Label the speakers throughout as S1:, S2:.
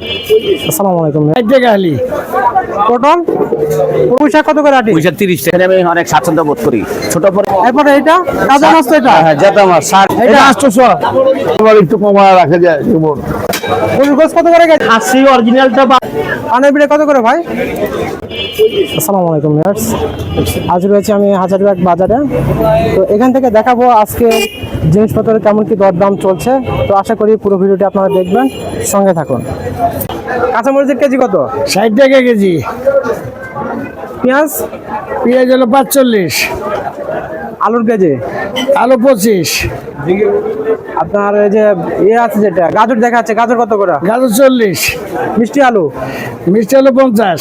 S1: আসসালামু আলাইকুম।
S2: খালি
S1: পটল পুঁইশা কত করে আটি?
S3: 30 টাকা। আমি অনেক স্বাচ্ছন্দ্য বোধ করি। ছোট পরে
S1: এরপরে এটা কাঁচা মাছ তো এটা
S3: হ্যাঁ যেটা আমার 60
S1: এটা
S3: 800 আবার একটু কমা রাখা যায় কেমন।
S1: ফুলকোস কত করে গেছে?
S3: 80 অরিজিনালটা
S1: পানের বিড়ে কত করে ভাই? আসসালামু আলাইকুম ভিউয়ার্স, আজ রয়েছে আমি হাজারবাগ বাজারে। তো এখান থেকে দেখাবো আজকে জিনিসপত্রের কেমন কি দরদাম চলছে। তো আশা করি পুরো ভিডিওটি আপনারা দেখবেন, সঙ্গে থাকুন। কাঁচামরিচের কেজি কত?
S2: 60 টাকা কেজি।
S1: পেঁয়াজ
S2: পেঁয়াজ হলো 45,
S1: আলুর কেজি
S2: আলু 25,
S1: আপনার এই যে ইয়ে আছে যেটা গাজর দেখাচ্ছে, গাজর কত করে?
S2: গাজর 40,
S1: মিষ্টি আলু
S2: মিষ্টি আলু 50,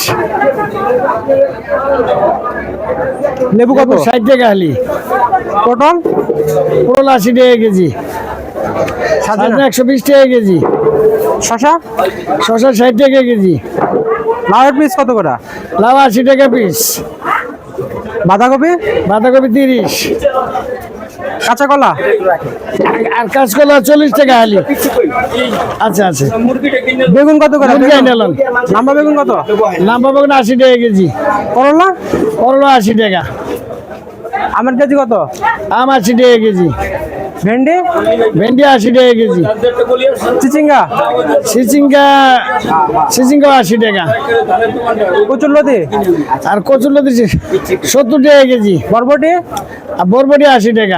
S1: লেবু কত?
S2: 60 টাকা খালি।
S1: পটল
S2: পটল 80 টাকা কেজি।
S1: সাজনা
S2: 120 টাকা কেজি।
S1: শশা
S2: শসা 60 টাকা কেজি।
S1: লাউয়ের পিস কত করে?
S2: লাউ 80 টাকা পিস।
S1: বাঁধাকপি
S2: বাঁধাকপি 30,
S1: কাঁচা কলা
S2: আর কাঁচকলা 40 টাকা খালি। আচ্ছা আচ্ছা,
S1: বেগুন কত করে?
S2: মুরগি আনলাম।
S1: লম্বা বেগুন কত?
S2: লম্বা বেগুন 80 টাকা কেজি।
S1: করলা
S2: করলা 80 টাকা।
S1: আমের কেজি কত?
S2: আম 80 টাকা কেজি।
S1: ভেন্ডি
S2: ভেন্ডি 80 টাকা কেজি।
S1: চিচিঙ্গা
S2: সিচিঙ্গা 80 টাকা।
S1: কচুরলতি
S2: আর কচুরলতি 70 টাকা কেজি।
S1: বরবটি
S2: আর বরবটি 80 টাকা।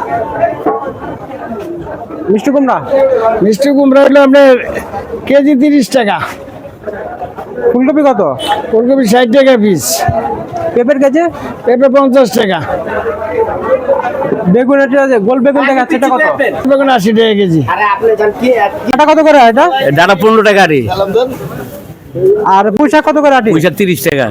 S1: মিষ্টি কুমড়া
S2: মিষ্টি কুমড়া হলো আপনার কেজি 30 টাকা।
S1: ফুলকপি কত?
S2: ফুলকপি 60 টাকা পিস।
S1: পেঁপের কেজি
S2: পেঁপে 50 টাকা।
S1: বেগুন এটা যে গোল বেগুন দেখাচ্ছে এটা কত?
S2: বেগুন 80 টাকা কেজি।
S1: এটা কত করে এটা?
S3: ডাটা 15 টাকা রে।
S1: আর পুঁই শাক কত করে আটি?
S3: 30 টাকা।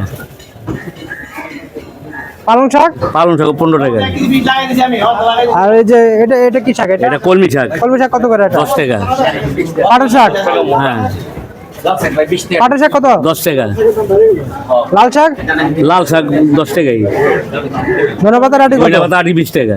S1: পালং শাক
S3: পালং শাক 15 টাকা।
S1: আর এই যে এটা এটা কি শাক? এটা
S3: এটা কলমি শাক
S1: কলমি শাক কত করে এটা?
S3: 10 টাকা।
S1: পাটের শাক
S3: হ্যাঁ
S1: পাটের শাক কত?
S3: 10 টাকা।
S1: লাল শাক
S3: লাল শাক 10 টাকাই।
S1: ধনেপাতার আটি কত?
S3: ওইটা কত 20 টাকা।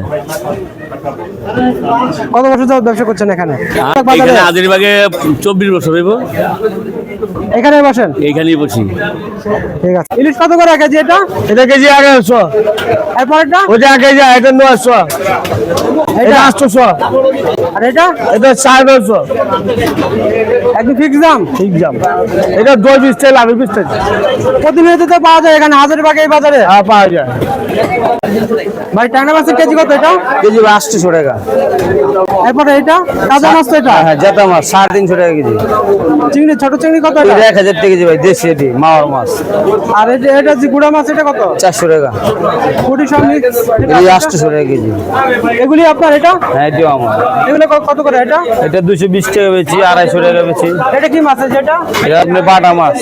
S1: কত বছর যাবত ব্যবসা করছেন এখানে?
S3: আর এখানে হাজারীবাগে 24 বছর হইব।
S1: এখানে বসেন?
S3: এইখানেই বসি।
S1: ঠিক আছে। ইলিশ কত করে কেজি এটা?
S2: এটা কেজি 1100।
S1: এরপরটা
S2: ওটা কেজি এটা 900। এটা 800।
S1: আর এটা
S2: এটা 950।
S1: একদম ফিক্স দাম?
S2: ঠিক দাম। এটা 2 টাকা, লাভ 20 টাকা।
S1: প্রতিনিয়ত তো পাওয়া যায় এখানে হাজারবাগ এই বাজারে।
S2: হ্যাঁ পাওয়া যায়।
S1: ভাই ট্যাংরা মাছের কেজি কত এটা?
S3: কেজি 800 টাকা।
S1: এরপরে এটা কাঁচা মাছ তো এটা?
S3: হ্যাঁ যেটা আমার 350 টাকা কেজি।
S1: চিংড়ি ছোট চিংড়ি কত এটা?
S3: 1000 টাকা কেজি ভাই, দেশি এটি মাওয়ার মাছ।
S1: আর এটা এটা যে গুড়া মাছ এটা কত?
S3: 400 টাকা।
S1: কুটি সব mix?
S3: এই 800 টাকা কেজি।
S1: এগুলি আপনার এটা?
S3: হ্যাঁ এটিও আমার।
S1: এগুলো কত করে এটা?
S3: এটা 220 টাকা বেচি, 250 টাকা বেচি।
S1: এটা কি মাছ আছে এটা?
S3: এটা আপনি বাটা মাছ।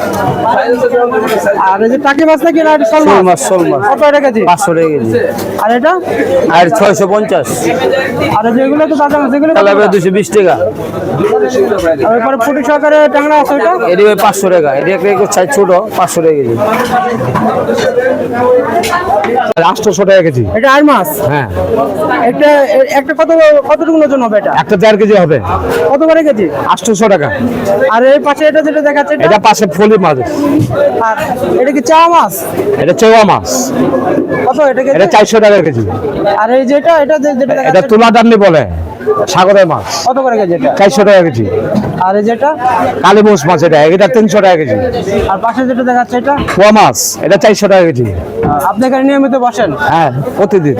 S1: আর এই যে টাকি মাছ নাকি না শোল
S3: শোল
S1: মাছ?
S3: মাছ, শোল মাছ
S1: কত এটা কেজি?
S3: 500 টাকা কেজি।
S1: আর এটা?
S3: আর 650।
S1: আর যেগুলো তো তাজা মাছ এগুলো কত
S3: তাহলে
S1: করে?
S3: 220 টাকা।
S1: আর এরপরে ফুটি সহকারে ট্যাংরা আছে ওটা?
S3: এটি ভাই 500 টাকা। এটি একটা সাইজ ছোট, 500 টাকা কেজি। 800 টাকা কেজি।
S1: এটা আর মাছ?
S3: হ্যাঁ
S1: একটা একটা কতটুকু ওজন হবে এটা?
S3: একটা 4 কেজি হবে।
S1: কত করে কেজি?
S3: 800 টাকা।
S1: আর এই পাশে এটা যেটা দেখাচ্ছে
S3: এটা পাশে ফলি মাছ।
S1: আর এটা কি চাওয়া মাছ?
S3: এটা চেওয়া মাছ।
S1: কত এটা কেজি?
S3: এটা 400 টাকা কেজি।
S1: আর এই যেটা এটা যেটা
S3: এটা
S1: দেখাচ্ছে
S3: তুলা দান্নি বলে, সাগরের মাছ।
S1: কত করে কেজি এটা?
S3: 400 টাকা কেজি।
S1: আর এই যেটা
S3: কালীবোস মাছ এটা 300 টাকা কেজি।
S1: আর পাশে যেটা দেখাচ্ছে এটা?
S3: পোয়া মাছ এটা 400 টাকা কেজি।
S1: আপনি এখানে নিয়মিত বসেন?
S3: হ্যাঁ প্রতিদিন।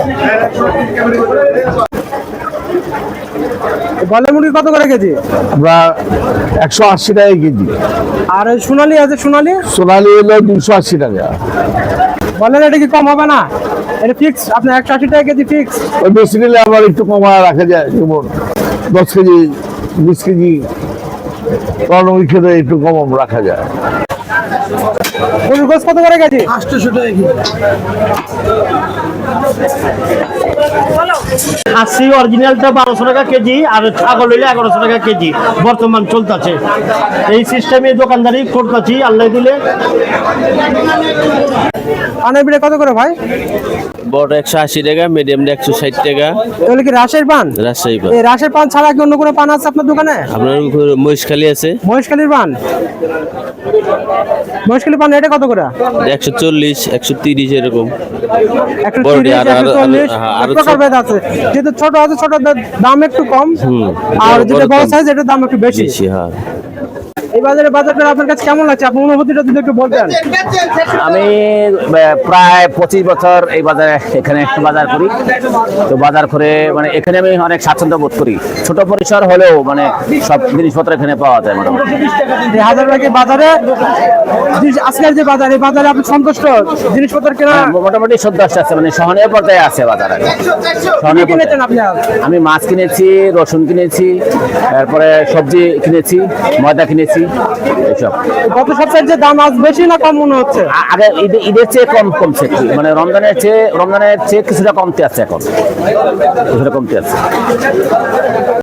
S1: গলে মুরগি কত করে কেজি?
S3: আমরা 180 টাকা কেজি।
S1: আর ওই সোনালি আছে সোনালি?
S3: সোনালি হলো 280 টাকা।
S1: বলেন এটা কি কম হবে না? এটা ফিক্স আপনার 180 টাকা কেজি ফিক্স?
S3: ওই বেশি নিলে আবার একটু কমা রাখা যায়, যেমন 10 কেজি 20 কেজি কর্নমুখী খেতে একটু কম রাখা যায়।
S1: ফুলকোস কত করে কেজি?
S2: 800 টাকা কেজি। খাসি অরিজিনালটা 1200 টাকা কেজি, আর ছাগল হইলে 1100 টাকা কেজি বর্তমান চলতেছে। এই সিস্টেমে দোকানদারি করতেছি আল্লাহ দিলে।
S1: পানের বিড়ে কত করে ভাই?
S4: বড় 180 টাকা, মিডিয়ামটা 160 টাকা।
S1: এগুলো কি রাজশাহীর পান?
S4: রাজশাহী পান।
S1: এই রাজশাহীর পান ছাড়া কি অন্য কোনো পান আছে আপনার দোকানে?
S4: আপনার মহিষখালী আছে,
S1: মহেশখালীর পান? মহেশখালী পান এটা কত করে?
S4: 140, 130 এরকম।
S1: একটু
S4: বড়টি
S1: 30,
S4: আরো- আরো-
S1: 140,
S4: আরো- আরো
S1: এক প্রকার ভেদ আছে। যেহেতু ছোট আছে, ছোট দাম একটু কম, আর
S4: বড়
S1: যেটা বড়
S4: দাম
S1: সাইজ এটার দাম একটু বেশি।
S4: বেশি, হ্যাঁ।
S1: এই বাজারটা আপনার কাছে কেমন লাগছে? আপনার অনুভূতিটা যদি একটু বলতেন।
S5: আমি প্রায় 25 বছর এই বাজারে এখানে বাজার করি। তো বাজার করে মানে এখানে আমি অনেক স্বাচ্ছন্দ্য বোধ করি। ছোট পরিসর হলেও মানে সব জিনিসপত্র এখানে পাওয়া যায় মোটামুটি।
S1: এই হাজারবাগের বাজারে আজকের যে বাজার, এই বাজারে আপনি সন্তুষ্ট? জিনিসপত্র কেনা
S5: মোটামুটি সন্তুষ্ট আছে, মানে সহনীয় পর্যায়ে আছে বাজারে।
S1: কি
S5: সহনীয়
S1: কিনেছেন
S5: পর্যায়ে।
S1: আপনি আজ?
S5: আমি মাছ কিনেছি, রসুন কিনেছি, তারপরে সবজি কিনেছি, ময়দা কিনেছি, এইসব।
S1: গত সপ্তাহের যে দাম আজ বেশি না কম মনে হচ্ছে?
S5: আগে ঈদের চেয়ে কমছে একটু। মানে রমজানের চেয়ে কিছুটা কমতে আছে এখন, কিছুটা কমতে আছে।